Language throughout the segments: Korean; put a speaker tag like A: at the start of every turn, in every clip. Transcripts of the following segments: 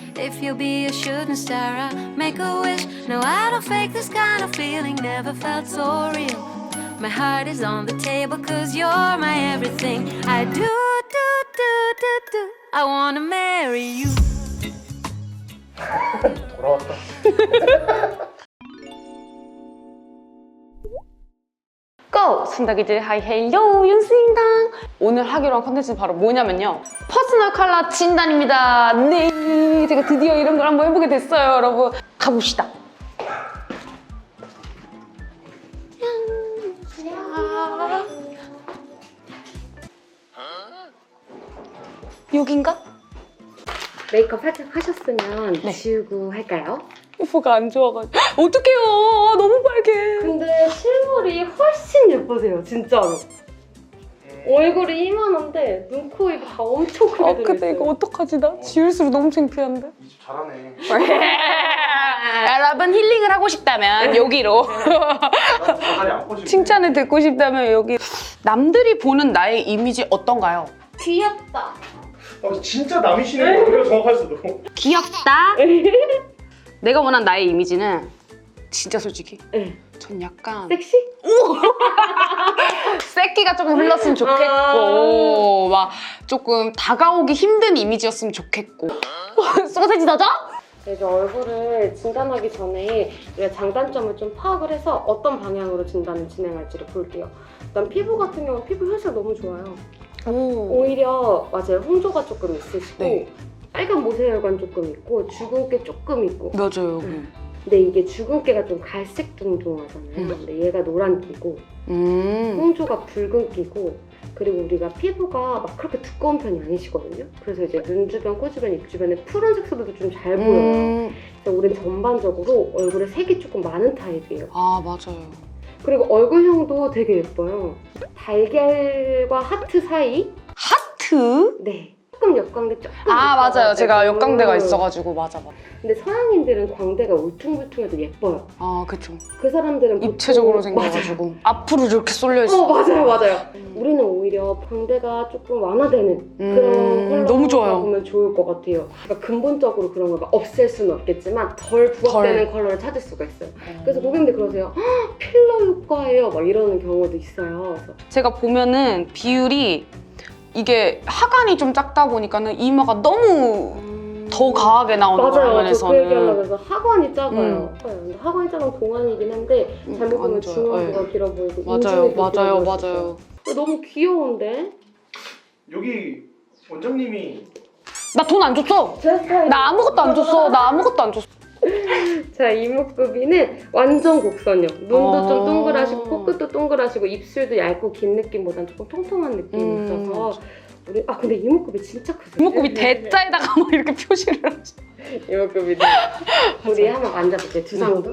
A: If you'll be a shooting star, I'll make a wish. No, I don't fake this kind of feeling, never felt so real. My heart is on the table, cause you're my everything. I do, I wanna marry you.
B: 돌아왔다.
C: 고! 순덕이들 하이 헬로 윤수입니다. 오늘 하기로 한 컨텐츠는 바로 뭐냐면요, 퍼스널 컬러 진단입니다. 네, 제가 드디어 이런 걸 한번 해보게 됐어요. 여러분 가봅시다. 여긴가?
D: 메이크업 살짝 하셨으면
C: 네.
D: 지우고 할까요?
C: 오빠가 안 좋아가지고 어떡해요. 너무 빨개.
D: 근데 실물이 훨씬 예쁘세요, 진짜로. 얼굴이 이만한데 눈, 코, 입이 다 엄청 크게 들어있어요.
C: 근데 이거 어떡하지? 나 지울수록 너무 창피한데.
B: 이 집 잘하네.
C: 여러분 힐링을 하고 싶다면 여기로,
B: 자갈이 안 꼬시고.
C: 칭찬을 듣고 싶다면 여기. 남들이 보는 나의 이미지 어떤가요?
D: 귀엽다.
B: 진짜 남이시네. 우리가 정확할 수도.
C: 귀엽다. 내가 원한 나의 이미지는 진짜 솔직히
D: 네.
C: 전 약간
D: 섹시?
C: 새끼가 조금 흘렀으면 좋겠고, 막 조금 다가오기 힘든 이미지였으면 좋겠고. 소세지 다져?
D: 이제 얼굴을 진단하기 전에 우리가 장단점을 좀 파악을 해서 어떤 방향으로 진단을 진행할지를 볼게요. 일단 피부 같은 경우는 피부 혈색 너무 좋아요. 오히려 맞아요, 홍조가 조금 있으시고,
C: 네.
D: 빨간 모세혈관 조금 있고 주근깨 조금 있고.
C: 맞아요.
D: 근데 이게 주근깨가 좀 갈색 둥둥하잖아요. 근데 얘가 노란기고 홍조가 붉은기고, 그리고 우리가 피부가 막 그렇게 두꺼운 편이 아니시거든요. 그래서 이제 눈 주변, 코 주변, 입 주변에 푸른 색소들도 좀 잘 보여요. 그래서 우린 전반적으로 얼굴에 색이 조금 많은 타입이에요.
C: 아, 맞아요.
D: 그리고 얼굴형도 되게 예뻐요. 달걀과 하트 사이?
C: 하트?
D: 네. 조금 역광대 조금.
C: 아, 맞아요.
D: 있어가지고.
C: 제가 역광대가 있어가지고. 맞아.
D: 근데 서양인들은 광대가 울퉁불퉁해도 예뻐요.
C: 아, 그쵸.
D: 그 사람들은
C: 입체적으로
D: 보통-
C: 생겨가지고 앞으로 이렇게 쏠려있어.
D: 맞아요. 우리는 오히려 광대가 조금 완화되는 그런 컬러
C: 너무 좋아요.
D: 보면 좋을 것 같아요. 그러니까 근본적으로 그런 걸 막 없앨 수는 없겠지만 덜 부각되는 컬러를 찾을 수가 있어요. 그래서 고객님들 그러세요. "헉, 필러 효과예요." 막 이러는 경우도 있어요. 그래서
C: 제가 보면은 비율이, 이게 하관이 좀 작다 보니까는 이마가 너무 더 강하게 나오는
D: 맞아요. 저 그
C: 화면에서는.
D: 얘기하려고 해서 하관이 작아요. 근데 하관이 작은 동안이긴 한데 잘못 보면
C: 안 좋아요.
D: 중앙부가
C: 네.
D: 길어 보이고
C: 맞아요,
D: 인중이 좀 길어
C: 맞아요,
D: 보일 수
C: 맞아요.
D: 있어요. 너무 귀여운데?
B: 여기 원장님이
C: 나 돈 안 줬어.
D: 제 스타일.
C: 나 아무것도 안 줬어. 나 아무것도 안 줬어.
D: 자, 이목구비는 완전 곡선형. 눈도 좀
C: 어.
D: 동그라시고 코끝도 동그라시고 입술도 얇고 긴 느낌보다는 조금 통통한 느낌이 있어서 우리 근데 이목구비 진짜 크세요.
C: 이목구비 대자에다가 막 이렇게 표시를 하지.
D: 이목구비는 우리 한번 만져볼게요. 두상도.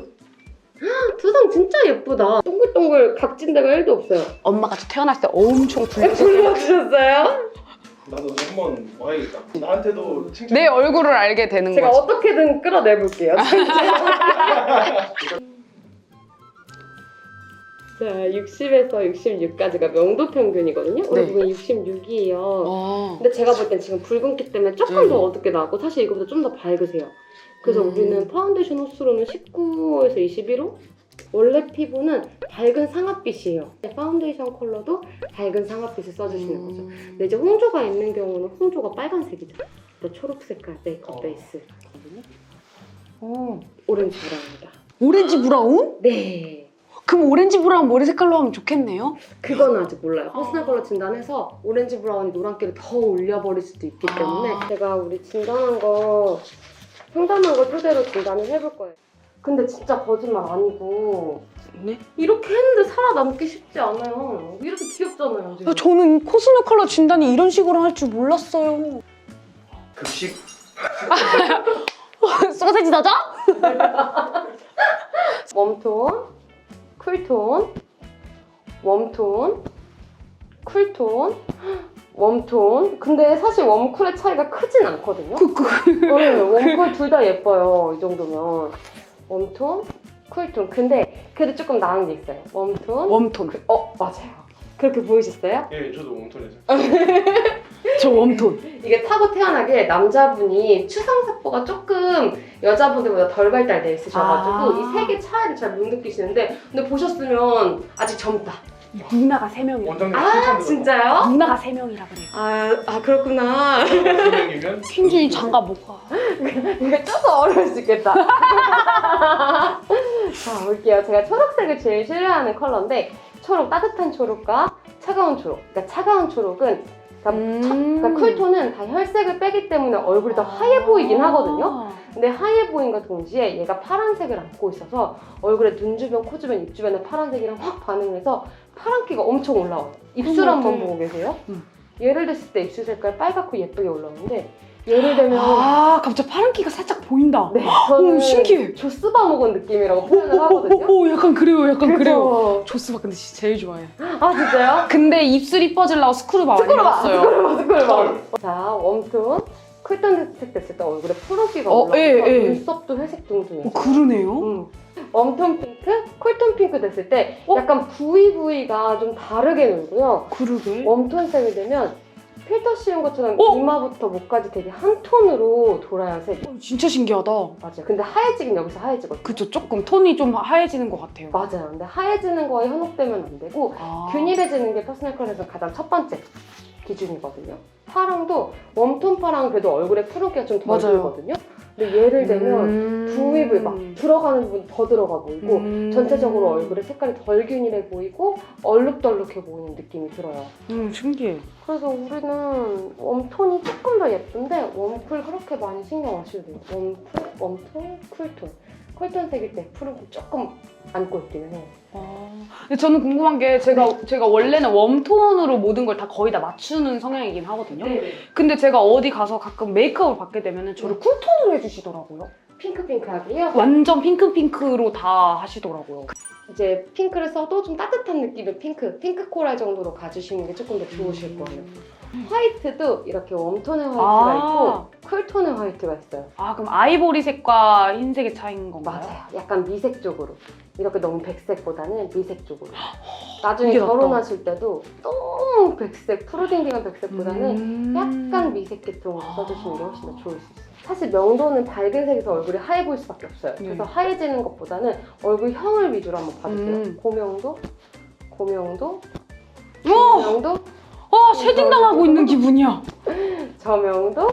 D: 두상 진짜 예쁘다. 동글동글 각진 데가 1도 없어요.
C: 엄마가 저 태어났을 때 엄청 굴렸어.
D: 불러주셨어요?
B: 나도 한번 와야겠다. 나한테도 칭찬.
C: 내 얼굴을 알게 되는
D: 제가
C: 거지.
D: 어떻게든 끌어내볼게요. 자, 60에서 66까지가 명도 평균이거든요. 우리
C: 네.
D: 부분 66이에요.
C: 어.
D: 근데 제가 볼 땐 지금 붉은기 때문에 조금 더 어둡게 나고 사실 이거보다 좀 더 밝으세요. 그래서 우리는 파운데이션 호수로는 19에서 21호? 원래 피부는 밝은 상아빛이에요. 파운데이션 컬러도 밝은 상아빛을 써주시는 거죠. 근데 이제 홍조가 있는 경우는 홍조가 빨간색이죠. 초록 색깔 메이크업 베이스. 오렌지 브라운이다.
C: 오렌지 브라운?
D: 네.
C: 그럼 오렌지 브라운 머리 색깔로 하면 좋겠네요?
D: 그건 아직 몰라요. 퍼스널 컬러 진단해서 오렌지 브라운이 노란기를 더 올려버릴 수도 있기 때문에 제가 우리 진단한 거, 상담한 거 토대로 진단을 해볼 거예요. 근데 진짜 거짓말 아니고
C: 네?
D: 이렇게 했는데 살아남기 쉽지 않아요. 이렇게 귀엽잖아요, 지금.
C: 저는 코스메 컬러 진단이 이런 식으로 할 줄 몰랐어요.
B: 급식.
C: 소세지 다져?
D: 웜톤, 쿨톤, 웜톤, 쿨톤, 웜톤. 근데 사실 웜쿨의 차이가 크진 않거든요. 네, 웜쿨 둘 다 예뻐요. 이 정도면. 웜톤, 쿨톤. 근데 그래도 조금 나은 게 있어요. 웜톤.
C: 웜톤.
D: 맞아요. 그렇게 보이셨어요?
B: 예, 저도 웜톤에서.
C: 저 웜톤.
D: 이게 타고 태어나게 남자분이 추상세포가 조금 여자분들보다 덜 발달돼 있으셔가지고 이 색의 차이를 잘 못 느끼시는데 근데 보셨으면 아직 젊다.
C: 누나가 3명이라.
B: 원장님
D: 아 진짜요?
C: 누나가 3명이라 그래요.
D: 아 그렇구나.
B: 선생님이면
C: 퀸준이 장가 못 가.
D: 이게 조금 어려울 수 있겠다. 자 볼게요. 제가 초록색을 제일 싫어하는 컬러인데 초록 따뜻한 초록과 차가운 초록. 그러니까 차가운 초록은 그러니까 쿨톤은 다 혈색을 빼기 때문에 얼굴이 더 하얘 보이긴 하거든요. 근데 하얘 보임과 동시에 얘가 파란색을 안고 있어서 얼굴에 눈 주변, 코 주변, 입 주변에 파란색이랑 확 반응을 해서 파란기가 엄청 올라와요. 입술 한번 보고 계세요? 얘를 댔을 때 입술 색깔 빨갛고 예쁘게 올라오는데 얘를 대면
C: 갑자기 파란기가 살짝 보인다.
D: 네, 저는
C: 신기해.
D: 조스바 먹은 느낌이라고 표현을 하거든요.
C: 오, 약간 그래요, 약간 그래요.
D: 그쵸?
C: 조스바 근데 진짜 제일 좋아해.
D: 아 진짜요?
C: 근데 입술 이뻐지려고 스크루바 많이 봤어요.
D: 스쿨바. 자, 웜톤, 쿨톤 됐을 때 얼굴에 푸른기가 올라와서 눈썹도 회색 둥둥해요.
C: 그러네요.
D: 웜톤 핑크, 쿨톤 핑크 됐을 때 약간 부위가 좀 다르게 놀고요.
C: 그러게.
D: 웜톤색이 되면 필터 씌운 것처럼 이마부터 목까지 되게 한 톤으로 돌아야 색이.
C: 진짜 신기하다.
D: 맞아요. 근데 하얘지긴 여기서 하얘지거든요.
C: 그쵸, 조금 톤이 좀 하얘지는 것 같아요.
D: 맞아요. 근데 하얘지는 거에 현혹되면 안 되고 균일해지는 게 퍼스널 컬러에서 가장 첫 번째 기준이거든요. 파랑도 웜톤 파랑은 그래도 얼굴에 푸른기가 좀 덜
C: 맞아요.
D: 들거든요. 근데 얘를 대면 부위부위 막 들어가는 부분 더 들어가 보이고 전체적으로 얼굴에 색깔이 덜 균일해 보이고 얼룩덜룩해 보이는 느낌이 들어요.
C: 신기해.
D: 그래서 우리는 웜톤이 조금 더 예쁜데 웜쿨 그렇게 많이 신경 안 쓰셔도 돼요. 웜톤, 쿨톤. 쿨톤 색일 때 푸른기 조금 안고 있기는 해요.
C: 근데 저는 궁금한 게 제가 원래는 웜톤으로 모든 걸 다 거의 다 맞추는 성향이긴 하거든요. 근데 제가 어디 가서 가끔 메이크업을 받게 되면 저를 쿨톤으로 해주시더라고요.
D: 핑크핑크하게요?
C: 완전 핑크핑크로 다 하시더라고요.
D: 이제 핑크를 써도 좀 따뜻한 느낌의 핑크 코랄 정도로 가주시는 게 조금 더 좋으실 거예요. 화이트도 이렇게 웜톤의 화이트가 있고 쿨톤의 화이트가 있어요.
C: 그럼 아이보리색과 흰색의 차이인 건가요?
D: 맞아요. 약간 미색 쪽으로. 이렇게 너무 백색보다는 미색 쪽으로. 나중에
C: 이게 낫다.
D: 결혼하실 때도 너무 백색, 푸르딩딩한 백색보다는 약간 미색 계통으로 써주시는 게 훨씬 더 좋을 수 있어요. 사실 명도는 밝은 색에서 얼굴이 하얘 보일 수밖에 없어요. 그래서 하얘지는 것보다는 얼굴형을 위주로 한번 봐주세요. 고명도, 고명도, 고명도,
C: 쉐딩 당하고 있는 기분이야.
D: 저명도,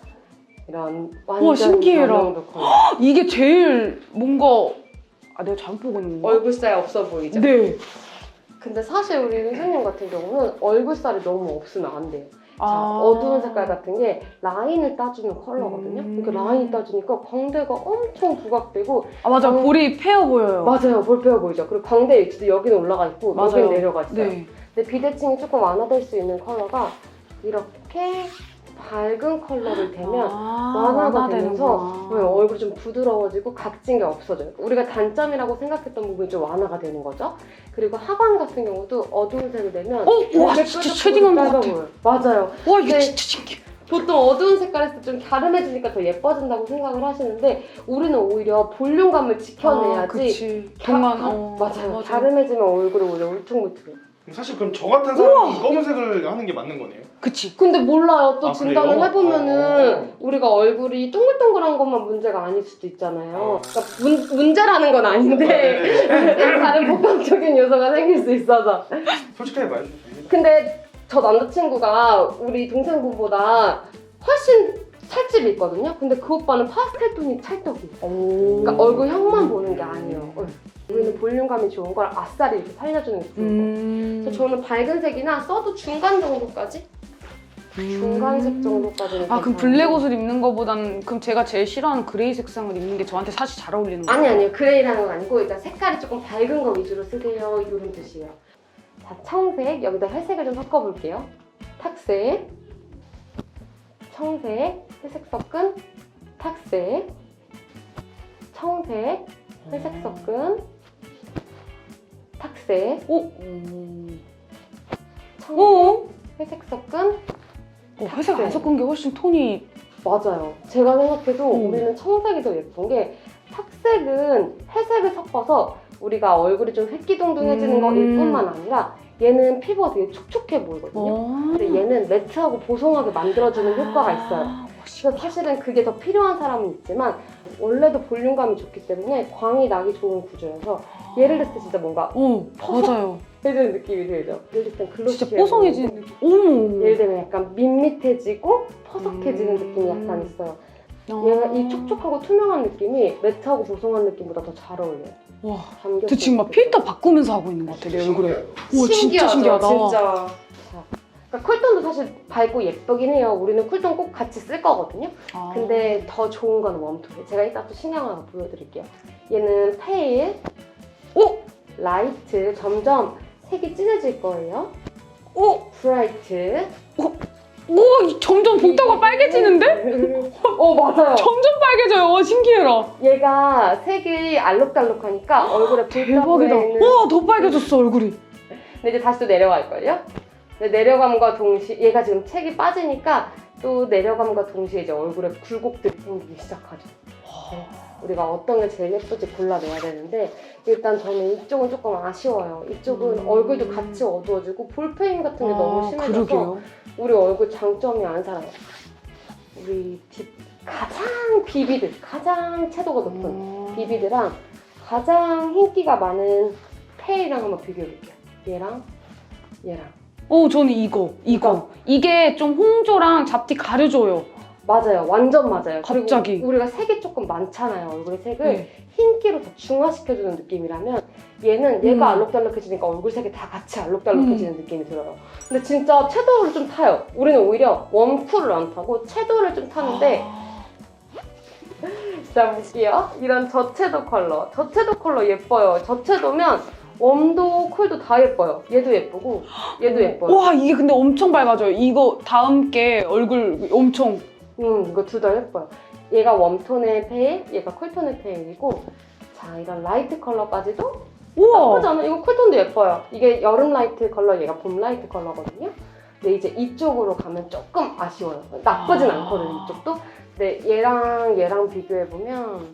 D: 이런 완전
C: 신기해라.
D: 저명도 컬러.
C: 이게 제일 뭔가 내가 잘못 보고 있는 건가?
D: 얼굴살 없어 보이죠?
C: 네.
D: 근데 사실 우리 윤수님 같은 경우는 얼굴살이 너무 없으면 안 돼요. 자, 어두운 색깔 같은 게 라인을 따주는 컬러거든요. 이렇게 라인이 따주니까 광대가 엄청 부각되고
C: 맞아. 볼이 페어 보여요.
D: 맞아요. 볼페어 보이죠. 그리고 광대 위치도 여기는 올라가 있고 여기는 내려가 있어요.
C: 네.
D: 근데 비대칭이 조금 완화될 수 있는 컬러가 이렇게 밝은 컬러를 대면 완화가 되면서 얼굴이 좀 부드러워지고 각진 게 없어져요. 우리가 단점이라고 생각했던 부분이 좀 완화가 되는 거죠. 그리고 하관 같은 경우도 어두운 색을 내면
C: 와 진짜 쉐딩한 것 같아.
D: 보여요. 맞아요.
C: 와 이게
D: 네.
C: 진짜 신기해.
D: 보통 어두운 색깔 했을 때 좀 갸름해지니까 더 예뻐진다고 생각을 하시는데 우리는 오히려 볼륨감을 지켜내야지
C: 그치. 동안
D: 맞아요. 갸름해지면 얼굴이 오히려 울퉁불퉁해요.
B: 사실 그럼 저 같은 사람이 검은색을 하는 게 맞는 거네요?
C: 그치.
D: 근데 몰라요. 또 진단을
B: 그래요?
D: 해보면은 우리가 얼굴이 동글동글한 것만 문제가 아닐 수도 있잖아요. 그러니까 문제라는 건 아닌데 다른 복합적인 요소가 생길 수 있어서.
B: 솔직하게 말해주세요.
D: 근데 저 남자친구가 우리 동생분보다 훨씬 살집이 있거든요. 근데 그 오빠는 파스텔 톤이 찰떡이에요. 그러니까 얼굴형만 보는 게 아니에요. 우리는 볼륨감이 좋은 걸 아싸리 이렇게 살려주는 게 좋은 거예요. 그래서 저는 밝은 색이나 써도 중간 정도까지? 중간색 정도까지는
C: 그럼 블랙 옷을 입는 거보다는 그럼 제가 제일 싫어하는 그레이 색상을 입는 게 저한테 사실 잘 어울리는 거예요?
D: 아니요. 그레이라는 건 아니고 일단 색깔이 조금 밝은 거 위주로 쓰세요. 이런 뜻이에요. 자, 청색. 여기다 회색을 좀 섞어볼게요. 탁색, 청색, 회색 섞은 탁색, 청색, 회색 섞은 탁색, 청색, 회색 섞은
C: 회색 안 섞은 게 훨씬 톤이
D: 맞아요. 제가 생각해도 우리는 청색이 더 예쁜 게 탁색은 회색을 섞어서 우리가 얼굴이 좀 획기동동해지는 거일 뿐만 아니라 얘는 피부가 되게 촉촉해 보이거든요. 근데 얘는 매트하고 보송하게 만들어주는 효과가 있어요. 그래서 사실은 그게 더 필요한 사람은 있지만 원래도 볼륨감이 좋기 때문에 광이 나기 좋은 구조여서 얘를 냈을 때 진짜 뭔가
C: 맞아요.
D: 해지는 느낌이 들죠. 얘를 냈을 땐 글로시해
C: 진짜 뽀송해지는 느낌. 어머.
D: 예를 들면 약간 밋밋해지고 퍼석해지는 느낌이 약간 있어요. 얘가 이 촉촉하고 투명한 느낌이 매트하고 보송한 느낌보다 더 잘 어울려요.
C: 와,
D: 잠겼어요.
C: 저 지금 막 필터 바꾸면서 하고 있는 것 같아, 내 얼굴에. 와, 진짜 신기하다.
D: 진짜. 그러니까 쿨톤도 사실 밝고 예쁘긴 해요. 우리는 쿨톤 꼭 같이 쓸 거거든요. 근데 더 좋은 건 웜톤이에요. 제가 이따 또 신경 하나 보여드릴게요. 얘는 페일, 라이트, 점점 색이 진해질 거예요. 브라이트.
C: 점점 복도가 빨개지는데?
D: 맞아요.
C: 점점 빨개져요. 신기해라.
D: 얘가 색이 알록달록하니까 얼굴에
C: 대박이다.
D: 보이는.
C: 더 빨개졌어, 얼굴이.
D: 근데 이제 다시 또 내려갈걸요? 근데 내려감과 동시에 얘가 지금 색이 빠지니까 또 내려감과 동시에 이제 얼굴에 굴곡들이 생기기 시작하죠. 우리가 어떤 게 제일 예쁠지 골라내야 되는데 일단 저는 이쪽은 조금 아쉬워요. 이쪽은 얼굴도 같이 어두워지고 볼페인 같은 게 너무 심해져서
C: 그러게요.
D: 우리 얼굴 장점이 안 살아요. 우리 가장 비비드, 가장 채도가 높은 비비드랑 가장 흰기가 많은 페이랑 한번 비교해볼게요. 얘랑 얘랑.
C: 저는 이거. 이게 좀 홍조랑 잡티 가려줘요.
D: 맞아요. 완전 맞아요.
C: 갑자기.
D: 그리고 우리가 색이 조금 많잖아요. 얼굴의 색을 흰기로 더 중화시켜주는 느낌이라면 얘는 얘가 알록달록해지니까 얼굴 색이 다 같이 알록달록해지는 느낌이 들어요. 근데 진짜 채도를 좀 타요. 우리는 오히려 웜쿨을 안 타고 채도를 좀 타는데 자 볼게요. 이런 저채도 컬러. 저채도 컬러 예뻐요. 저채도면 웜도 쿨도 다 예뻐요. 얘도 예쁘고 얘도 예뻐요.
C: 와, 이게 근데 엄청 밝아져요. 이거 다음 게 얼굴 엄청.
D: 이거 둘 다 예뻐요. 얘가 웜톤의 페일, 얘가 쿨톤의 페일이고 자, 이런 라이트 컬러까지도 나쁘지 않아. 이거 쿨톤도 예뻐요. 이게 여름 라이트 컬러, 얘가 봄 라이트 컬러거든요. 근데 이제 이쪽으로 가면 조금 아쉬워요. 나쁘진 않거든요, 이쪽도. 근데 얘랑 비교해보면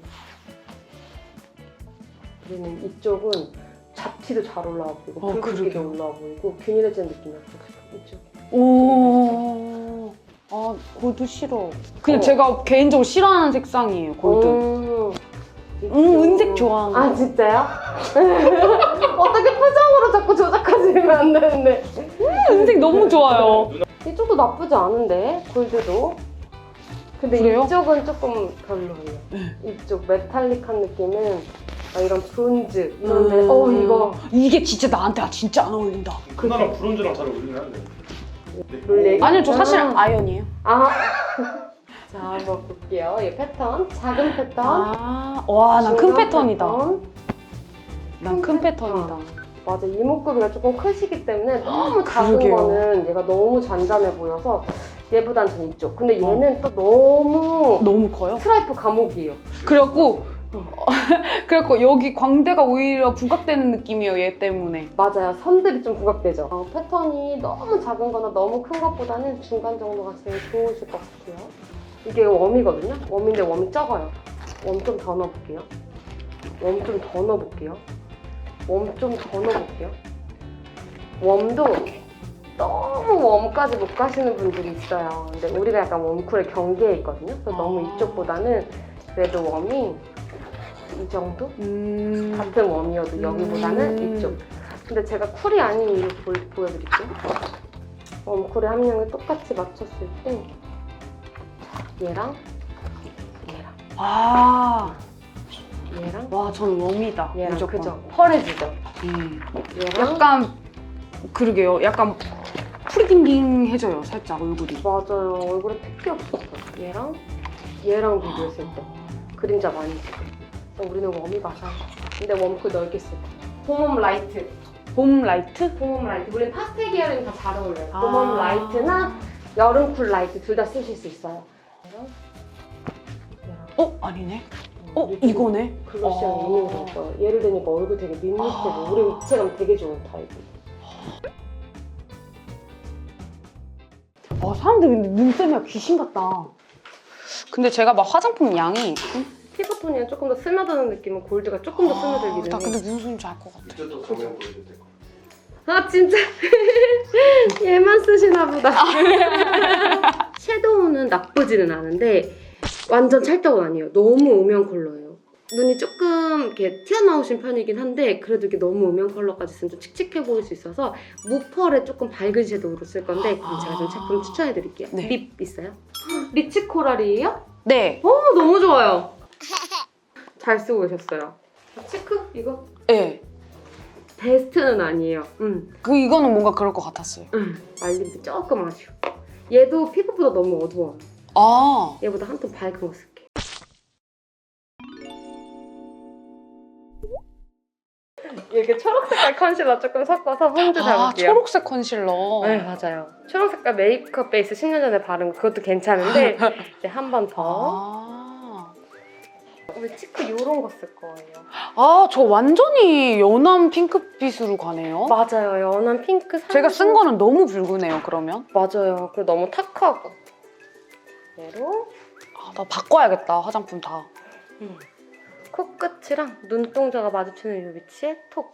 D: 우리는 이쪽은 잡티도 잘 올라와 보이고 붉은기도 올라와 보이고 균일해지는 느낌이 없어요. 이쪽.
C: 골드 싫어. 그냥 제가 개인적으로 싫어하는 색상이에요, 골드. 은색 좋아하는 거.
D: 진짜요? 어떻게 표정으로 자꾸 조작하시면 안 되는데.
C: 은색 너무 좋아요.
D: 이쪽도 나쁘지 않은데, 골드도. 근데
C: 그래요?
D: 이쪽은 조금 별로예요. 이쪽 메탈릭한 느낌은 이런 브론즈 이런데 이거
C: 이게 진짜 나한테 진짜 안 어울린다.
B: 나랑 브론즈랑 잘 어울리긴 한데.
C: 아니요, 저 사실 아이언이에요.
D: 자, 한번 볼게요. 이 패턴, 작은 패턴.
C: 와, 난 큰
D: 중간
C: 패턴이다.
D: 패턴.
C: 난 큰 패턴이다.
D: 맞아, 이목구비가 조금 크시기 때문에 너무 작은
C: 그러게요.
D: 거는 얘가 너무 잔잔해 보여서 얘보단 전 이쪽. 근데 얘는 또 너무
C: 커요?
D: 스트라이프 감옥이에요.
C: 그래갖고 여기 광대가 오히려 부각되는 느낌이에요, 얘 때문에.
D: 맞아요. 선들이 좀 부각되죠. 패턴이 너무 작은 거나 너무 큰 것보다는 중간 정도가 제일 좋으실 것 같아요. 이게 웜이거든요. 웜인데 웜이 적어요. 웜 좀 더 넣어볼게요. 웜 좀 더 넣어볼게요. 웜 좀 더 넣어볼게요. 웜도 너무 웜까지 못 가시는 분들이 있어요. 근데 우리가 약간 웜쿨의 경계에 있거든요. 그래서 너무 이쪽보다는 그래도 웜이 이 정도? 같은 웜이어도 여기보다는 이쪽. 근데 제가 쿨이 아닌 이유 보여드릴게요. 웜쿨의 함량을 똑같이 맞췄을 때 얘랑 얘랑
C: 와, 전 웜이다.
D: 얘랑
C: 무조건.
D: 그죠? 펄해지죠? 얘랑
C: 약간 그러게요. 약간 프리딩딩해져요, 살짝 얼굴이.
D: 맞아요. 얼굴에 핏기 없었어. 얘랑 비교했을 때 그림자 많이 있어. 우리는 웜이 맞아. 근데 웜쿨 넓게 쓸 거야. 봄 라이트.
C: 봄 라이트?
D: 봄 라이트. 우리는 파스텔 계열이면 다 잘 어울려요. 봄 라이트나 여름 쿨 라이트 둘 다 쓰실 수 있어요.
C: 아니네. 이거네.
D: 글로시한 있는 거죠. 얘를 대니까 얼굴 되게 밋밋해고 우리 입체감 되게 좋은 타입이에요.
C: 사람들이 근데 눈 때문에 귀신 같다. 근데 제가 막 화장품 양이
D: 피부톤이랑 조금 더 스며드는 느낌은 골드가 조금 더 스며들기는
C: 나
D: 해.
C: 근데 무슨 소리인지 알 것 같아.
B: 이제 또 정면 보여줄 때.
D: 아 진짜 얘만 쓰시나 보다. 섀도우는 나쁘지는 않은데 완전 찰떡은 아니에요. 너무 음영 컬러예요. 눈이 조금 이렇게 튀어나오신 편이긴 한데 그래도 이게 너무 음영 컬러까지 쓰면 좀 칙칙해 보일 수 있어서 무펄에 조금 밝은 섀도우로 쓸 건데 그럼 제가 좀 제품 추천해드릴게요.
C: 네.
D: 립 있어요? 리치 코랄이에요?
C: 네.
D: 너무 좋아요. 잘 쓰고 계셨어요. 치크 이거?
C: 네.
D: 베스트는 아니에요.
C: 이거는 뭔가 그럴 것 같았어요.
D: 말린 게 조금 아쉬워. 얘도 피부보다 너무 어두워.
C: 아.
D: 얘보다 한 톤 밝은 거 쓸게. 이렇게 초록색깔 컨실러 조금 섞어서 포인트 잡을게요.
C: 초록색 컨실러.
D: 네, 맞아요. 초록색깔 메이크업 베이스 10년 전에 바른 거 그것도 괜찮은데 이제 한 번 더. 우리 치크 요런 거 쓸 거예요.
C: 저 완전히 연한 핑크빛으로 가네요.
D: 맞아요. 연한 핑크.
C: 제가 쓴 거는 너무 붉으네요, 그러면.
D: 맞아요. 그리고 너무 탁하고. 얘로.
C: 나 바꿔야겠다, 화장품 다.
D: 코끝이랑 눈동자가 마주치는 이 위치에 톡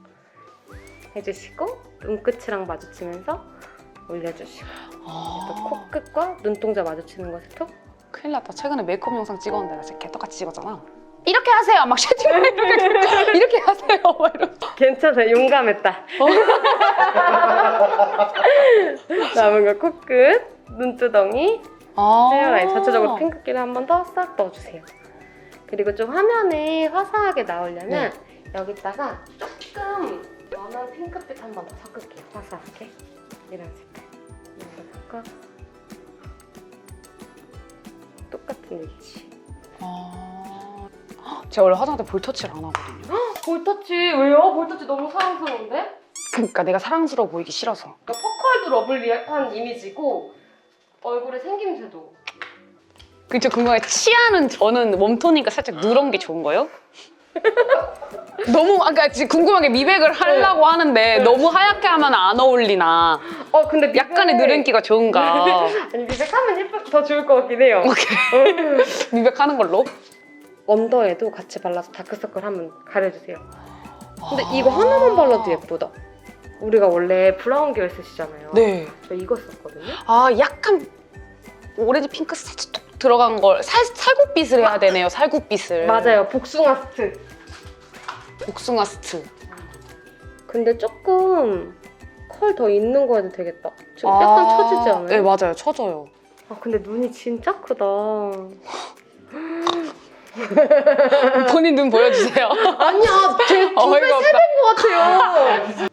D: 해주시고 눈끝이랑 마주치면서 올려주시고 또 코끝과 눈동자 마주치는 곳에 톡.
C: 큰일 났다. 최근에 메이크업 영상 찍었는데 나 진짜 개떡같이 찍었잖아. 이렇게 하세요! 막 쉐딩을 이렇게 하세요! 막 이러면서.
D: 괜찮아요. 용감했다. 남은 거 코끝, 눈두덩이, 헤어라인 전체적으로 핑크기를 한 번 더 싹 넣어주세요. 그리고 좀 화면에 화사하게 나오려면 여기다가 조금 연한 핑크빛 한 번 더 섞을게요. 화사하게. 이런 색깔. 이런 거 섞어. 똑같은 위치.
C: 제가 원래 화장할 때 볼터치를 안 하거든요.
D: 볼터치 왜요? 볼터치 너무 사랑스러운데?
C: 그러니까 내가 사랑스러워 보이기 싫어서.
D: 그러니까 퍼컬도 러블리한 이미지고 얼굴에 생김새도.
C: 그쵸, 궁금해. 치아는 저는 웜톤이니까 살짝 누런 게 좋은 거예요? 너무 아까 지금 궁금하게 미백을 하려고 하는데 너무 하얗게 하면 안 어울리나.
D: 근데
C: 약간의 누른기가 좋은가.
D: 아니 미백하면 더 좋을 것 같긴 해요.
C: 미백하는 걸로.
D: 언더에도 같이 발라서 다크서클 한번 가려주세요. 근데 이거 하나만 발라도 예쁘다. 우리가 원래 브라운 계열 쓰시잖아요.
C: 네.
D: 저 이거 썼거든요.
C: 약간 오렌지 핑크 살짝 톡 들어간 걸 살구빛을 해야 되네요. 살구빛을.
D: 맞아요. 복숭아 스트.
C: 복숭아 스트.
D: 근데 조금 컬 더 있는 거 해도 되겠다. 좀 약간 처지지 않아요?
C: 네, 맞아요. 처져요.
D: 근데 눈이 진짜 크다.
C: 본인 눈 보여주세요.
D: 아니야, 제 2배, 3배인 것 같아요.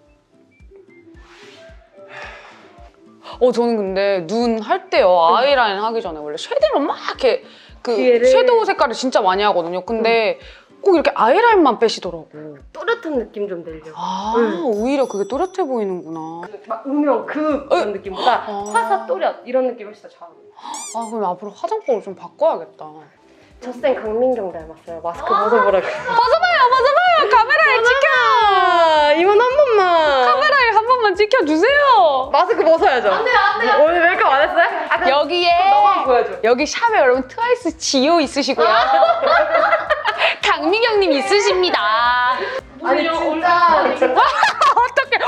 C: 저는 근데 눈 할 때요. 아이라인 하기 전에 원래 쉐딩을 막 이렇게
D: 뒤에를.
C: 섀도우 색깔을 진짜 많이 하거든요. 근데 꼭 이렇게 아이라인만 빼시더라고.
D: 또렷한 느낌 좀 내려고.
C: 오히려 그게 또렷해 보이는구나.
D: 막 음영, 그런 느낌보다 화사 또렷 이런 느낌 훨씬 더 잘 어울려요.
C: 그럼 앞으로 화장법을 좀 바꿔야겠다.
D: 저쌤 강민경 닮았어요. 마스크 벗어보라고.
C: 벗어봐요. 카메라에 찍혀.
D: 이건 한 번만.
C: 카메라에 한 번만 찍혀주세요.
D: 마스크 벗어야죠. 안 돼요. 오늘 메이크업 안 했어요?
C: 여기에
D: 너만 보여줘.
C: 여기 샵에 여러분 트와이스 지효 있으시고요. 강미경님 있으십니다.
D: 아니 진짜.
C: 어떡해.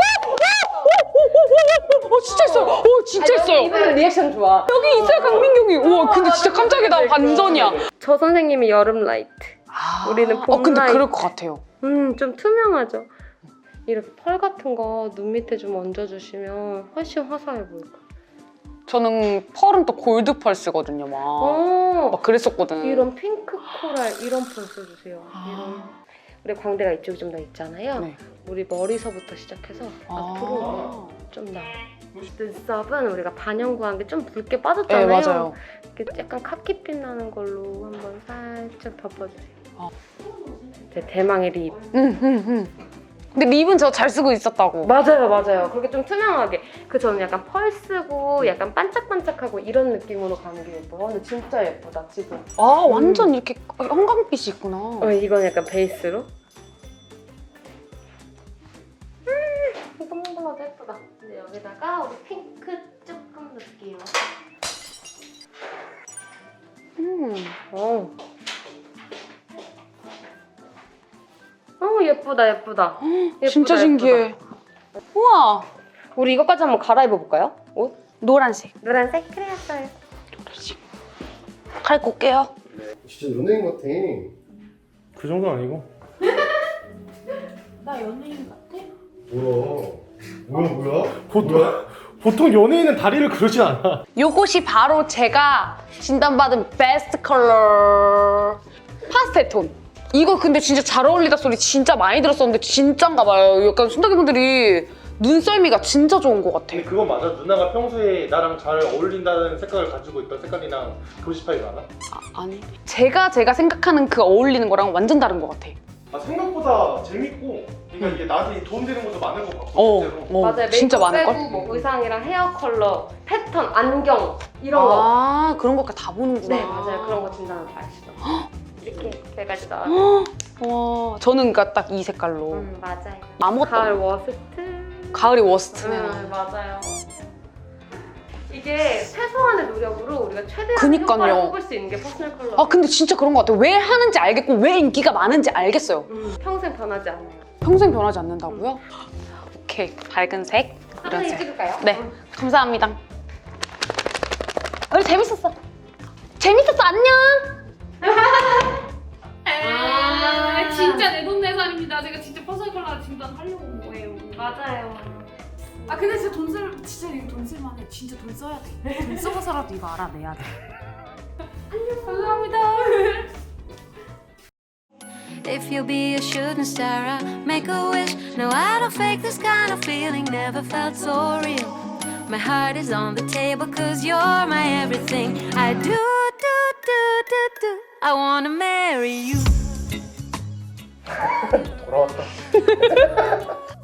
C: 진짜 있어요. 진짜 있어요.
D: 이분은 리액션 좋아.
C: 여기 있어요, 강민경이. 우와, 근데 진짜 깜짝이다. 반전이야.
D: 저 선생님이 여름 라이트. 우리는 봄
C: 근데
D: 라이트.
C: 그럴 것 같아요.
D: 좀 투명하죠. 이렇게 펄 같은 거 눈 밑에 좀 얹어주시면 훨씬 화사해 보일 거예요.
C: 저는 펄은 또 골드 펄 쓰거든요, 막 그랬었거든.
D: 이런 핑크 코랄 이런 펄 써주세요. 이런. 우리 광대가 이쪽이 좀 더 있잖아요.
C: 네.
D: 우리 머리서부터 시작해서 앞으로 좀 나와요. 눈썹은 우리가 반영구한 게 좀 붉게 빠졌잖아요.
C: 네, 맞아요.
D: 이렇게 약간 카키빛 나는 걸로 한번 살짝 덮어주세요. 제 대망의 립.
C: 근데 립은 저 잘 쓰고 있었다고.
D: 맞아요. 그렇게 좀 투명하게. 저는 약간 펄 쓰고 약간 반짝반짝하고 이런 느낌으로 가는 게 예뻐요. 근데 진짜 예쁘다 지금.
C: 완전 이렇게 형광빛이 있구나.
D: 이건 약간 베이스로. 뽕 발라도 예쁘다. 근데 여기다가 우리 핑크 조금 넣을게요. 예쁘다 예쁘다.
C: 진짜
D: 예쁘다,
C: 신기해.
D: 예쁘다.
C: 우와.
D: 우리 이것까지 한번 갈아입어 볼까요? 옷?
C: 노란색.
D: 노란색? 그래 했어요.
C: 노란색. 갈고 올게요.
E: 진짜 연예인 같아.
B: 그 정도는 아니고.
F: 나 연예인 같아?
E: 뭐야?
B: 보통 연예인은 다리를 그러지 않아.
C: 요것이 바로 제가 진단받은 베스트 컬러 파스텔 톤. 이거 근데 진짜 잘 어울리다 소리 진짜 많이 들었었는데 진짠가 봐요. 약간 순덕이 분들이 눈썰미가 진짜 좋은 것 같아.
B: 근데 그건 맞아. 누나가 평소에 나랑 잘 어울린다는 색깔을 가지고 있던 색깔이랑 교집합이 많아?
C: 아니 제가 생각하는 그 어울리는 거랑 완전 다른 것 같아.
B: 아 생각보다 재밌고 그러니까 이게 나한테 도움되는 것도 많은 것 같고 실제로.
D: 맞아요.
C: 진짜
D: 메이크업
C: 많을걸?
D: 빼고 뭐 의상이랑 헤어 컬러, 패턴, 안경 이런 거.
C: 아 그런 것까지 다 보는구나.
D: 네 맞아요. 그런 거 진단을 다 하시죠. 이렇게 세 가지 나와요.
C: 와 저는 그러니까 딱 이 색깔로
D: 맞아요.
C: 아무것도
D: 가을
C: 없-
D: 워스트.
C: 가을이 워스트네요.
D: 맞아요. 이게 최소한의 노력으로 우리가 최대한
C: 그니까요.
D: 효과를 뽑을 수 있는 게 퍼스널 컬러.
C: 아 근데 진짜 그런 것 같아요. 왜 하는지 알겠고 왜 인기가 많은지 알겠어요.
D: 평생 변하지 않아요.
C: 평생 변하지 않는다고요? 오케이 밝은 색 이런
D: 사진
C: 색.
D: 찍을까요?
C: 네 감사합니다. 오늘 재밌었어. 재밌었어 안녕.
F: 진짜 내돈내산입니다. 제가 진짜 퍼스널 컬러 진단하려고 온 거예요.
D: 맞아요.
F: 아 근데 진짜 진짜 이거 돈 쓸만해. 진짜 돈 써야 돼. 돈 써서라도 이거 알아내야 돼. 안녕. 감사합니다.
A: If you'll be a shooting star, I'll make a wish. No, I don't fake this kind of feeling, never felt so real. My heart is on the table, cause you're my everything. I do. I wanna marry you.
B: 돌아왔다.